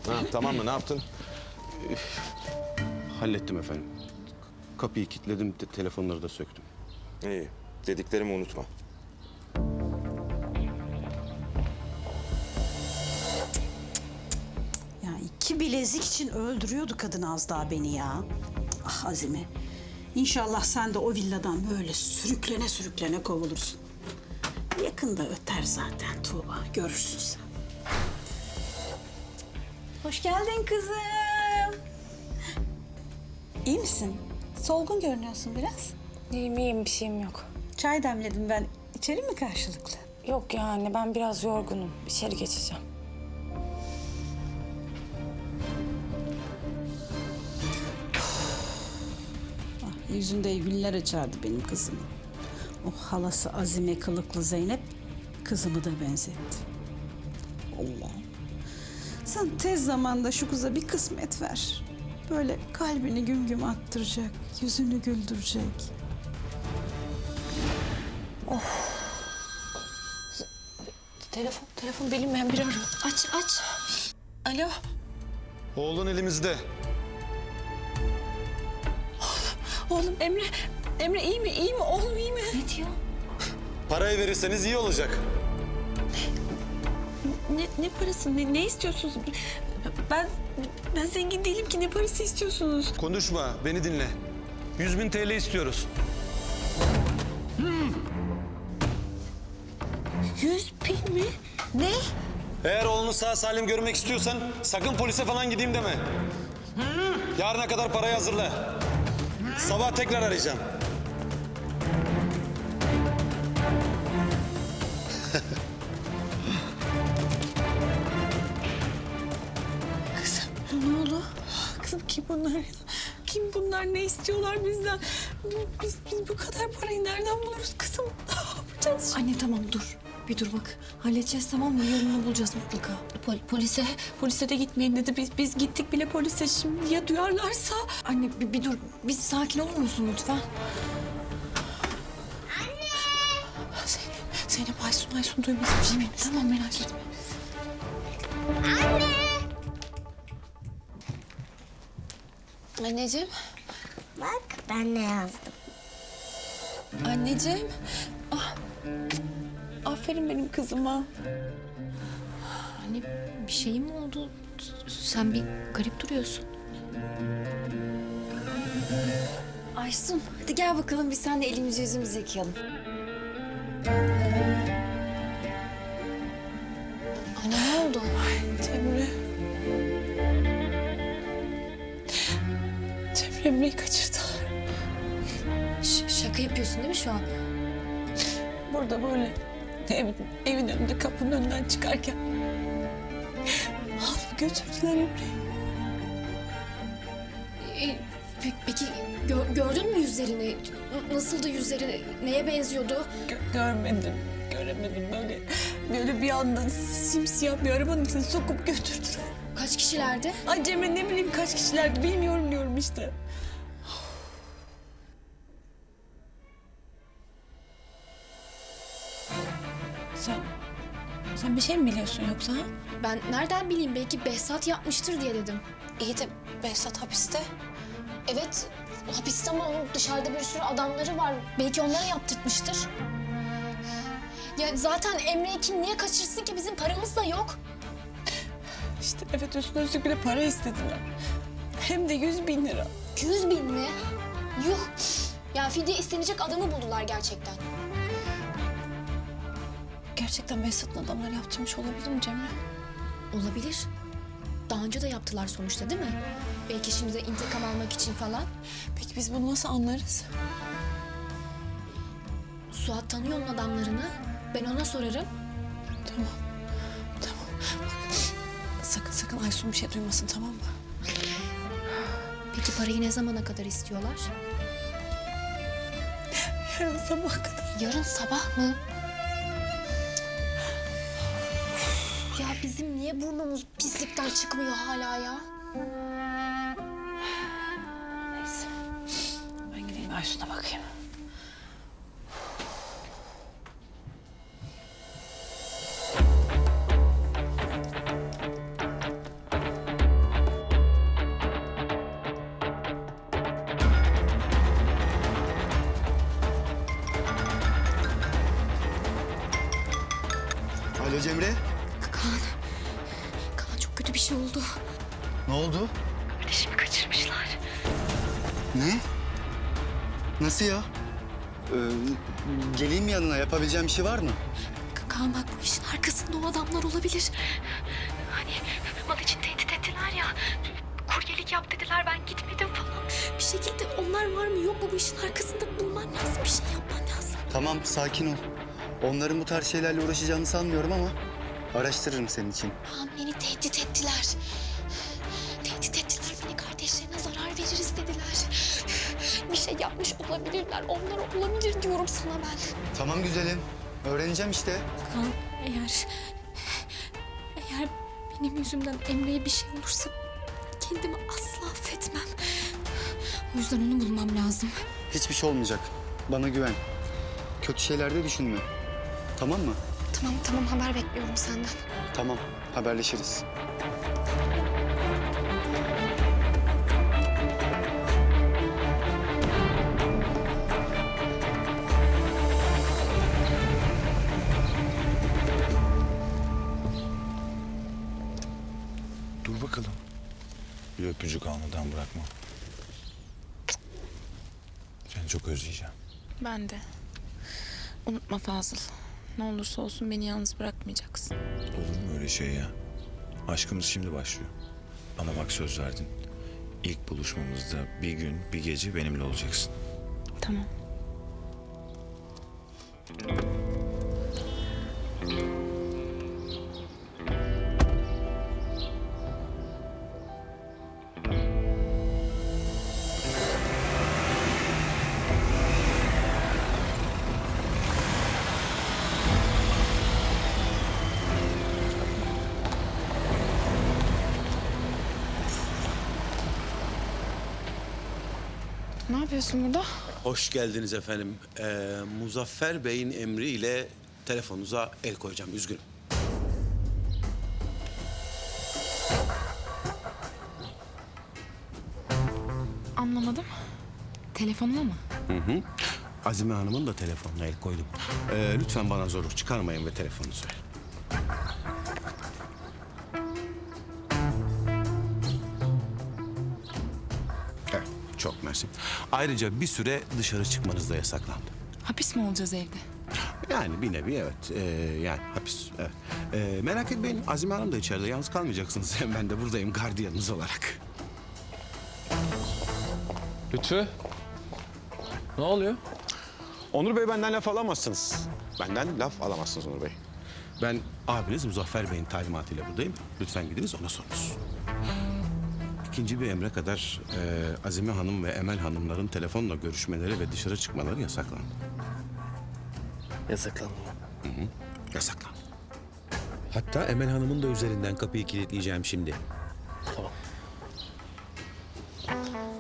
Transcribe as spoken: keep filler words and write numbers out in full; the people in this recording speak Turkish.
Ha, tamam mı? Ne yaptın? Üf, hallettim efendim. Kapıyı kilitledim, te telefonları da söktüm. İyi. Dediklerimi unutma. Ya iki bilezik için öldürüyordu kadın az daha beni ya. Ah Azime. İnşallah sen de o villadan böyle sürüklene sürüklene kovulursun. Yakında öter zaten Tuğba. Görürsün sen. Hoş geldin kızım. İyi misin? Solgun görünüyorsun biraz. İyiyim iyiyim, bir şeyim yok. Çay demledim ben. İçelim mi karşılıklı? Yok ya anne, ben biraz yorgunum. İçeri geçeceğim. Ah, yüzünde güller açardı benim kızım. O halası Azime kılıklı Zeynep kızımı da benzetti. Allah. Sen tez zamanda şu kıza bir kısmet ver. Böyle kalbini güm güm attıracak, yüzünü güldürecek. Telefon, telefon bilinmeyen biri arıyor. Aç, aç. Alo. Oğlun elimizde. Oğlum Emre, Emre iyi mi? İyi mi? Oğlum iyi mi? Ne diyor? Parayı verirseniz iyi olacak. Ne, ne parası? Ne, ne istiyorsunuz? Ben, ben zengin değilim ki. Ne parası istiyorsunuz? Konuşma, beni dinle. Yüz bin T L istiyoruz. Yüz bin mi? Ne? Eğer oğlunu sağ salim görmek istiyorsan sakın polise falan gideyim deme. Yarına kadar parayı hazırla. Sabah tekrar arayacağım. Kızım ne oldu? Kızım kim bunlar ya? Kim bunlar? Ne istiyorlar bizden? Biz, biz bu kadar parayı nereden buluruz kızım? Ne yapacağız şimdi? Anne tamam dur. Bir dur bak. Halledeceğiz tamam mı? Yolunu bulacağız mutlaka. Pol- polise, polise de gitmeyin dedi. Biz, biz gittik bile polise. Şimdi ya duyarlarsa? Anne bir, bir dur. Bir sakin olur musun lütfen? Zeynep, Zeynep Aysun, Aysun duymasın. Şimdi, Tamam merak etme. Anneciğim, Bak ben ne yazdım. anneciğim. Ah, aferin benim kızıma. Anne bir şeyin mi oldu? Sen bir garip duruyorsun. Aysun hadi gel bakalım biz seninle elimizi yüzümüzü yıkayalım. Anne ne oldu? Cemre. Cemre Emre'yi kaçırdılar. Ş- şaka yapıyorsun değil mi şu an? Burada böyle ev, evin önünde kapının önünden çıkarken alıp götürdüler Emre'yi. E, pe- peki gö- gördün mü yüzlerini? N- Nasıldı yüzleri? Neye benziyordu? Gö- görmedim, göremedim böyle. Böyle bir anda simsiyah bir arabanın içine sokup götürdüler. Kaç kişilerdi? Ay Cemre ne bileyim kaç kişilerdi bilmiyorum diyorum işte. Sen, sen bir şey mi biliyorsun yoksa? Ha? Ben nereden bileyim belki Behzat yapmıştır diye dedim. İyi de Behzat hapiste. Evet hapiste ama onun dışarıda bir sürü adamları var. Belki onlara yaptırtmıştır. Ya zaten Emre'yi kim niye kaçırsın ki bizim paramız da yok. İşte evet üstüne üstlük bir de para istediler. Hem de yüz bin lira. Yüz bin mi? Yuh. Ya fidye istenecek adamı buldular gerçekten. Gerçekten Behzat'ın adamları yaptırmış olabilir mi Cemre? Olabilir. Daha önce de yaptılar sonuçta değil mi? Belki şimdi de intikam almak için falan. Peki biz bunu nasıl anlarız? Suat tanıyor onun adamlarını. Ben ona sorarım. Tamam. Tamam. Bak, sakın sakın Aysun bir şey duymasın tamam mı? Peki parayı ne zamana kadar istiyorlar? Yarın sabah kadar. Yarın sabah mı? Ya bizim niye burnumuz pislikten çıkmıyor hala ya? Neyse. Ben gideyim Aysun'a bakayım. Kaan. Kaan çok kötü bir şey oldu. Ne oldu? Kardeşimi kaçırmışlar. Ne? Nasıl ya? Ee, geleyim yanına, yapabileceğim bir şey var mı? Ka- Kaan bak bu işin arkasında o adamlar olabilir. Hani mal için tehdit ettiler ya. Kuryelik yap dediler ben gitmedim falan. Bir şekilde onlar var mı yok mu bu işin arkasında bulman lazım. Bir şey yapman lazım. Tamam, sakin ol. Onların bu tarz şeylerle uğraşacağını sanmıyorum ama araştırırım senin için. Kaan beni tehdit ettiler. Tehdit ettiler beni kardeşlerine zarar veririz dediler. Bir şey yapmış olabilirler. Onlar olabilir diyorum sana ben. Tamam güzelim, öğreneceğim işte. Kaan eğer... Eğer benim yüzümden Emre'ye bir şey olursa kendimi asla affetmem. O yüzden onu bulmam lazım. Hiçbir şey olmayacak. Bana güven. Kötü şeyler de düşünme. Tamam mı? Tamam tamam haber bekliyorum senden. Tamam, haberleşiriz. Dur bakalım. Bir öpücük almadan bırakma. Seni çok özleyeceğim. Ben de. Unutma Fazıl. Ne olursa olsun beni yalnız bırakmayacaksın. Olur mu öyle şey ya? Aşkımız şimdi başlıyor. Bana bak söz verdin. İlk buluşmamızda bir gün, bir gece benimle olacaksın. Tamam. Ne yapıyorsun burada? Hoş geldiniz efendim. Ee, Muzaffer Bey'in emriyle telefonunuza el koyacağım. Üzgünüm. Anlamadım. Telefonuma mı? Azime Hanım'ın da telefonuna el koydum. Ee, lütfen bana zorluk çıkarmayın ve telefonunuzu verin. Evet, çok mersi. Ayrıca bir süre dışarı çıkmanız da yasaklandı. Hapis mi olacağız evde? Yani bir nevi evet. Ee, yani hapis. Evet. Ee, merak etmeyin Azime Hanım da içeride. Yalnız kalmayacaksınız. Ben de buradayım gardiyanınız olarak. Lütfü. Ne oluyor? Onur Bey benden laf alamazsınız. Benden laf alamazsınız Onur Bey. Ben abiniz Muzaffer Bey'in talimatıyla buradayım. Lütfen gidiniz ona sorunuz. İkinci bir emre kadar e, Azime Hanım ve Emel Hanımların telefonla görüşmeleri ve dışarı çıkmaları yasaklandı. Yasaklandı mı? Hı hı, yasaklandı. Hatta Emel Hanım'ın da üzerinden kapıyı kilitleyeceğim şimdi. Tamam.